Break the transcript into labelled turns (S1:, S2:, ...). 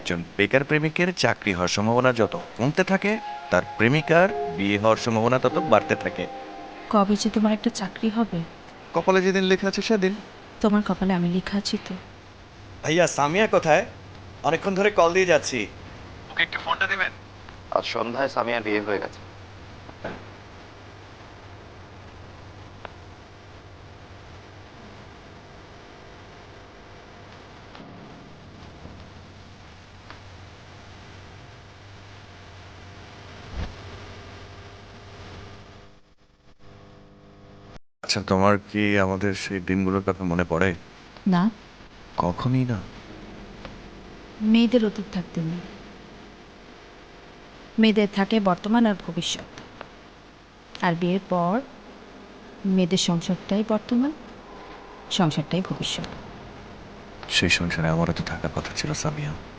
S1: একজন বেকার প্রেমিকের চাকরি হওয়ার সম্ভাবনা যত কমতে থাকে, তার প্রেমিকার বিয়ে হওয়ার সম্ভাবনা তত বাড়তে থাকে।
S2: কবে যে তোমার একটা চাকরি হবে?
S1: কপালে যেদিন লেখা আছে সেদিন।
S2: তোমার কপালে আমি লেখা আছি তো।
S1: ভাইয়া সামিয়া কোথায়? অনেকক্ষণ ধরে কল দিয়ে যাচ্ছি। ওকে একটু ফোনটা দেবেন?
S3: আজ সন্ধ্যায় সামিয়ার বিয়ে হয়ে গেছে।
S1: আচ্ছা, তোমার কি আমাদের সেই দিনগুলোর কথা মনে পড়ে?
S2: না,
S1: কখনই না।
S2: মেয়েদের অতীত থাকতে নেই। মেয়েদের থাকে বর্তমান আর ভবিষ্যৎ। আর বিয়ের পর মেয়েদের সংসারটাই বর্তমান, সংসারটাই ভবিষ্যৎ।
S1: সেই সংসারে আমারও তো থাকার কথা ছিল সামিয়া।